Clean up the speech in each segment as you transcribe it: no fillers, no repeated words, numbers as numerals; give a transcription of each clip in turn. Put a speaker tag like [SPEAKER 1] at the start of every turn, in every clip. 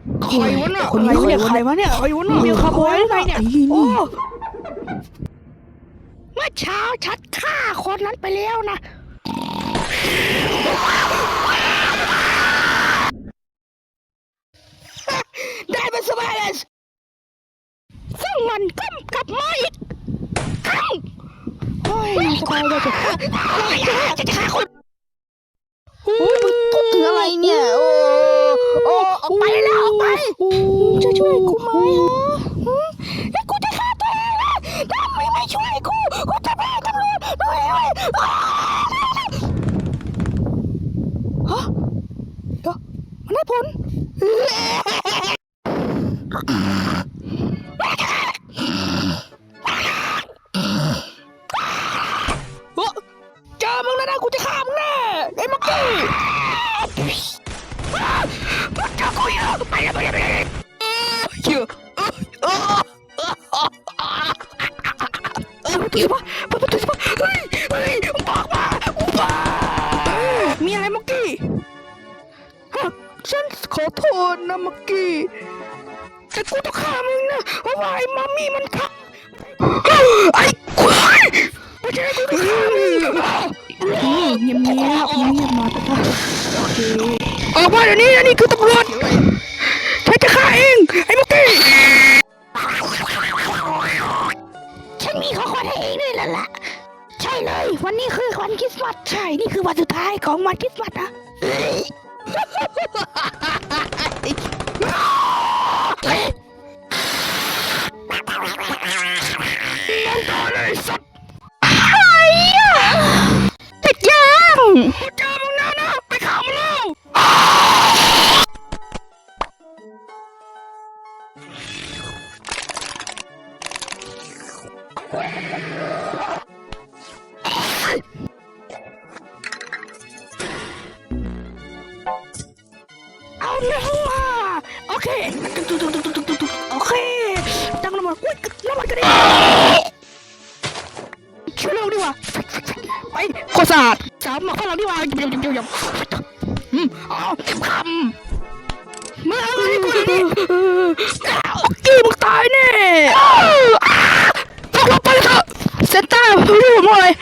[SPEAKER 1] ใครวะน่ะคนนี้ใครวะเนี่ยใครวะน่ะมีคาร์บอยอะไรเนี่ยโอ้เมื่อเช้าฉันฆ่าคนนั้นไปแล้วนะได้เป็นสบายเลยซึ่งมันกลับมาอีกครั้งโอ้ยสบายเลยจะฆ่าคนโอ้ยมึงพูดถึงอะไรเนี่ยโอ้ออกไปแล้วออกไปจะช่วยกูไหมฮะแล้วกูจะฆ่าตัวเองนะถ้าไม่ช่วยกูจะแพ้ตำรวจด้วยฮะเดี๋ยวมันได้ผลเจอมึงแล้วนะกูจะฆ่ามึงแน่ไอ้มักกี้เจอกูอยู่ไปเลยเชื่อประตูสิปะเฮ้ยบอกมามีอะไรมักกี้ฉันขอโทษนะมักกี้แต่กูต้องฆ่ามึงนะเพราะว่าไอ้มัมมี่มันฆ่าไอ้กูไม่ใช่กูต้องฆ่ามึงเงียบมาโอเคออกมาเดี๋ยวนี้นี่คือตำรวจฉันจะฆ่าเองไอ้มักกี้ฉันมีของขวัญให้เองด้วยล่ะใช่เลยวันนี้คือวันคริสต์มาสใช่นี่คือวันสุดท้ายของวันคริสต์มาสนะนั่นต่อเลยสัตว์ติดยังกูเจอมึงนะไปข่าวมันแล้วเอาเนื้อมาโอเคโอเคตั้งน้ำมันอุ้ยน้ำมันกระเด็นช่วยเร็วดีกว่าไปโคตรสะอาดสามมาข้างหลังดีกว่าเอาคำมึงเอาอะไรกูนี่โอเคมึงตายแน่ตกลงไปเถอะเซนต้าไม่รู้ว่าอะไร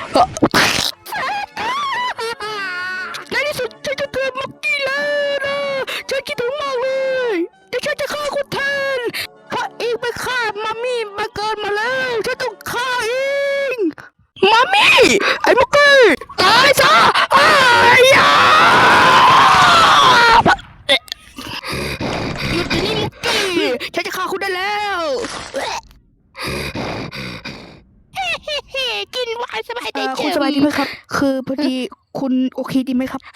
[SPEAKER 1] ในที่สุดฉันจะเกิดมักกี้แล้วนะฉันคิดถึงมากเลยแต่ฉันจะฆ่าคุณแทนเพราะเองไปฆ่ามัมมี่มาเกินมาแล้วฉันต้องฆ่าเองมัมมี่ไอ้มักกี้ตายซะไอ้ยาหยุดเดี๋ยวนี้มักกี้ฉันจะฆ่าคุณได้แล้วกินไวน์สบายใจคุณสบายดีไหมครับคือพอดีคุณโอเคดีไหมครับ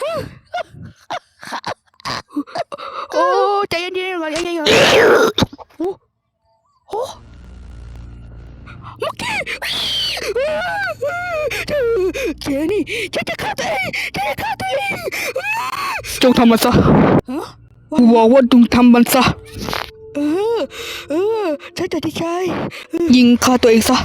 [SPEAKER 1] โอ้ใจเย็นๆก่อนใจเย็นๆโอ้มักกี้แกนี่ฉันจะฆ่าตัวเองจงทำมันซะกูบอกว่าจงทำมันซะฉันตัดสินใจยิงฆ่าตัวเองซะ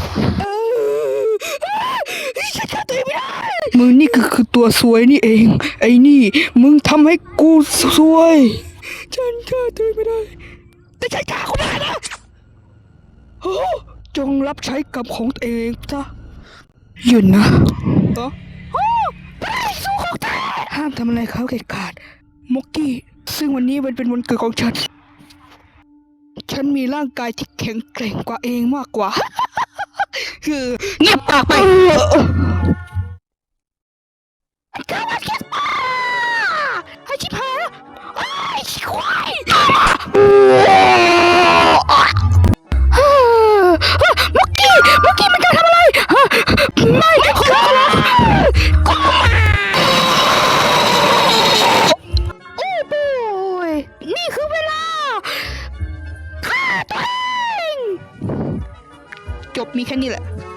[SPEAKER 1] ฉันฆ่าตัวเองไม่ได้มึงนี่คือตัวซวยนี่เองไอ้นี่มึงทำให้กูซวยฉันฆ่าตัวเองไม่ได้แต่ฉันฆ่าคุณได้นะจงรับใช้กรรมของตัวเองซะหยุดนะสู้ของแท้ห้ามทำอะไรเขาเด็ดขาดม็อกกี้ซึ่งวันนี้มันเป็นวันเกิดของฉันมีร่างกายที่แข็งแกร่งกว่าเองมากกว่าคือเงียบปากไปกาวัดแคสปาให้ชิบหายไอ้ควายม็อกกี้มันจะทำอะไรไม่ขอร้องก็มาโอ้โหนี่คือเวลาฆ่าตัวเองจบมีแค่นี้แหละ